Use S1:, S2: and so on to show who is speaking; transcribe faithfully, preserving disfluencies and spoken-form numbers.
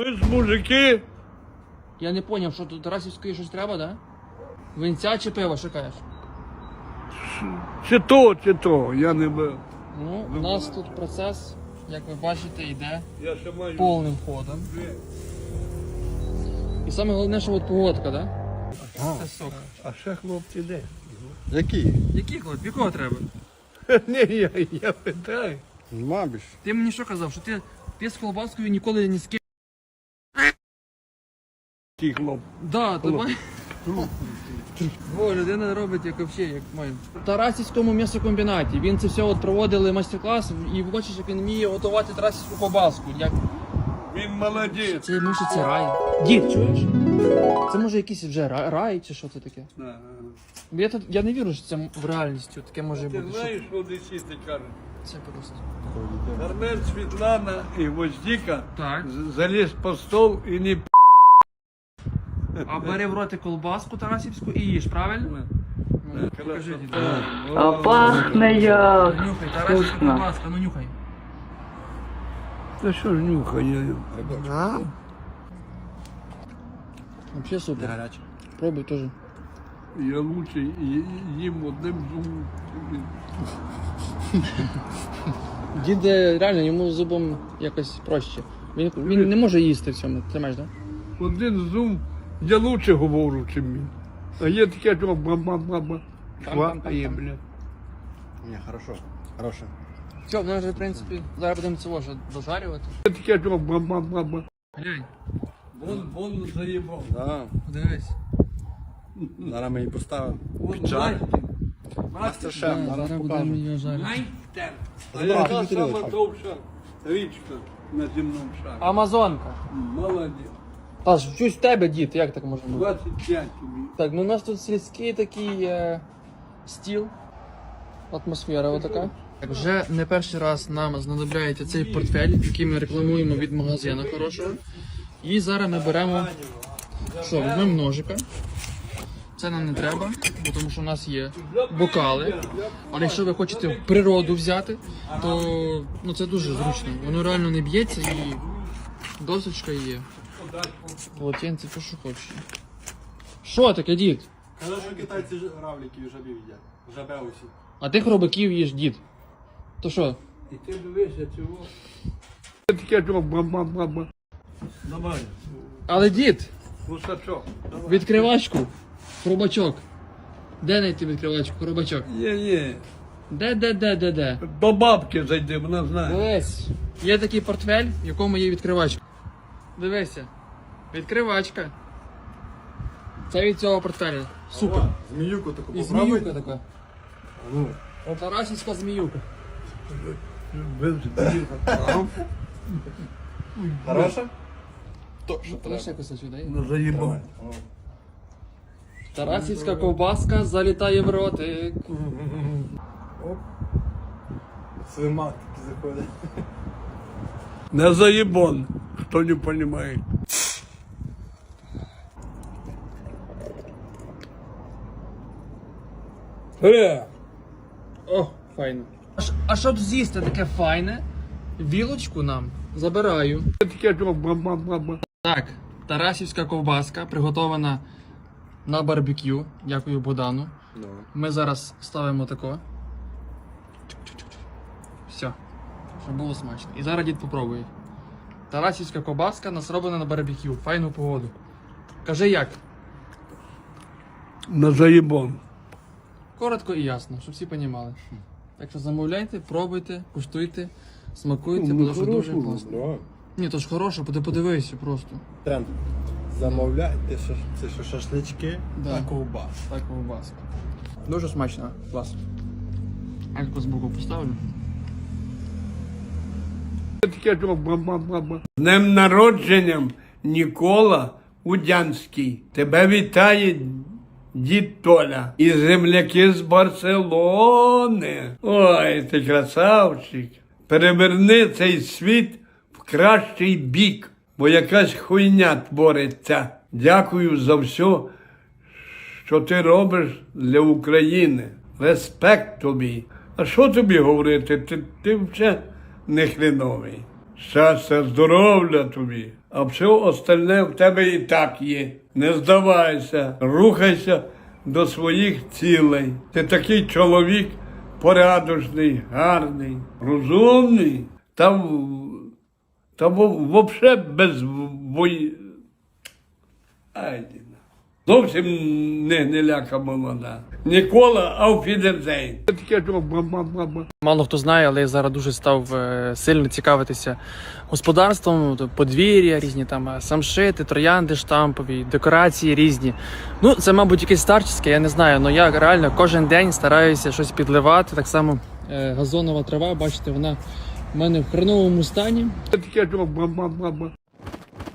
S1: Ви ж мужики.
S2: Я не зрозумів, що тут Тарасівської щось треба, да? Винця чи пиво, що кажеш?
S1: Чи то, чи то, я не бив.
S2: Ну, у нас тут процес, як ви бачите, йде
S1: Я ще маю.
S2: повним ходом. І саме головне, що от погодка, да? Це сок.
S1: А ще хлопці де?
S3: Які?
S2: Який хлоп? Якого треба?
S1: Ні, я, я питаю.
S3: Мабіш.
S2: Ти мені що казав, що ти, ти з колбаскою ніколи не з ким.
S1: Ті хлоп.
S2: Да, то має. Бо людина робить як взагалі, як має. В Тарасівському м'ясокомбінаті. Він це все от проводили майстер-клас і бачиш, як він вміє готувати тарасівську ковбаску. Як...
S1: Він молодець.
S2: Це може це рай. Дід, чуєш? Це може якийсь вже рай, рай чи що це таке?
S1: Да, да,
S2: Я, тут, я не вірю, що це в реальністю таке може
S1: да. Ти
S2: бути.
S1: знаєш, що десіти кажуть?
S2: Це просто.
S1: Армен, Світлана і Воздіка
S2: Так.
S1: з- заліз по стол і не п***.
S2: А бери в роти колбаску тарасівську і їж, правильно? Ну, покажи, дід.
S4: А пахне як.
S2: Нюхай, тарасівська
S4: Вкусно.
S2: колбаска, ну нюхай.
S1: Та що ж нюхає?
S2: Вообще супер.
S3: Гаряче.
S2: Пробуй теж.
S1: Я лучше ї- їм одним зубом.
S2: Дід е, реально йому зубом якось проще. Він, він не може їсти в цьому, тримаєш, так?
S1: Один зум, я лучше говорю, чим він. А є таке, що ба-ба-ба-ба. Хватає, блядь.
S3: Ні, хорошо. Хороше.
S2: Все, в вже, в принципі, зараз будемо цього вже дожарювати.
S1: Є таке, що ба-ба-ба-ба.
S2: Глянь,
S1: Вон, вон заїбав.
S3: Да.
S2: подивись.
S3: Зараз ми її поставимо.
S1: Вон
S3: Чай.
S1: Настя.
S3: Мастер-шеф,
S2: Да,
S3: зараз
S2: зараз будемо
S3: покажемо.
S2: її жарити.
S1: Найстер. А
S3: Добре,
S1: яка
S3: Дмитрий
S1: сама
S3: Ілліч.
S1: довша річка на земному шарі?
S2: Амазонка.
S1: Молодець.
S2: Та ж щось в тебе, дід, як так може бути?
S1: двадцять п'ять тобі.
S2: Так, ну у нас тут сільський такий е, стіл, атмосфера отака. Так, вже не перший раз нам знадобляється цей портфель, який ми рекламуємо від магазину хорошого. І зараз ми беремо, що, візьмемо ножика. Це нам не треба, бо тому що у нас є бокали. Але якщо ви хочете в природу взяти, то ну, це дуже зручно. Воно реально не б'ється і досочка є. Полотенце, то що хочеш. Що таке, дід?
S3: Казали, що китайці ж- равликів і жабів їдять. Жабе усі.
S2: А ти хробаків їш, дід. То що?
S1: І ти дивишся цього. Є таке, що ба-ба-ба-ба. Давай.
S2: Але дід,
S1: Гусачок.
S2: відкривачку, хробачок. Де знайти відкривачку, хробачок?
S1: Є, є.
S2: Де, де, де, де, де?
S1: До бабки зайди, вона знає.
S2: Дивись. Є такий портфель, в якому є відкривачка. Дивися. Відкривачка. Це від цього портфеля. Супер.
S3: Зміюку таку
S2: І
S3: попробуй.
S2: зміюка така. Тарасівська зміюка.
S3: Хороше? То, що
S2: Ти
S3: треба.
S2: ще кусочок, дай?
S1: Ну заїбав.
S2: Тарасівська ковбаска залітає в ротик.
S3: Слимак такий заходить.
S1: Не заебон, кто не понимает. Э,
S2: О, файно. А, ш- а щоб з'їсти таке файне, вілочку нам забираю.
S1: таке, що ба-ба-ба-ба.
S2: Так, тарасівська ковбаска приготована на барбекю. Дякую Богдану.
S3: Ну.
S2: Ми зараз ставимо тако. Все. Щоб було смачно. І зараз дід попробує. Тарасівська ковбаска нас роблена на барбекю. Файну погоду. Кажи як?
S1: На заебон.
S2: Коротко і ясно, щоб всі понімали. Так що замовляйте, пробуйте, куштуйте, смакуйте,
S1: Ну,
S2: тому що дуже
S1: хорошо.
S2: класно.
S3: Ну,
S2: Ні, то ж хороше, ти подивися просто.
S3: тренд. Замовляйте, що це що шашлички
S2: Да.
S3: та ковбас.
S2: Так, ковбаска. Дуже смачно, клас. Альку з боку поставлю.
S1: Таке, що ба-ба-ба-ба. З днем народженням, Нікола Удянський. Тебе вітає дід Толя і земляки з Барселони. Ой, ти красавчик. Переверни цей світ в кращий бік, бо якась хуйня твориться. Дякую за все, що ти робиш для України. Респект тобі. А що тобі говорити? Ти, ти вже не хреновий. Щастя, здоров'я тобі. А все остальне в тебе і так є. Не здавайся, рухайся до своїх цілей. Ти такий чоловік порядочний, гарний, розумний, та, в- та взагалі без бої. Ай, ні. Зовсім не, не ляка молода. Нікола, ауфідерзейн. Таке що ба-ба-ба-ба.
S2: Мало хто знає, але я зараз дуже став е, сильно цікавитися господарством, то подвір'я, різні там е, самшити, троянди штампові, декорації різні. Ну, це, мабуть, якесь старчеське, я не знаю, але я реально кожен день стараюся щось підливати. Так само е, газонова трава, бачите, вона в мене в хреновому стані.
S1: Таке що ба-ба-ба-ба.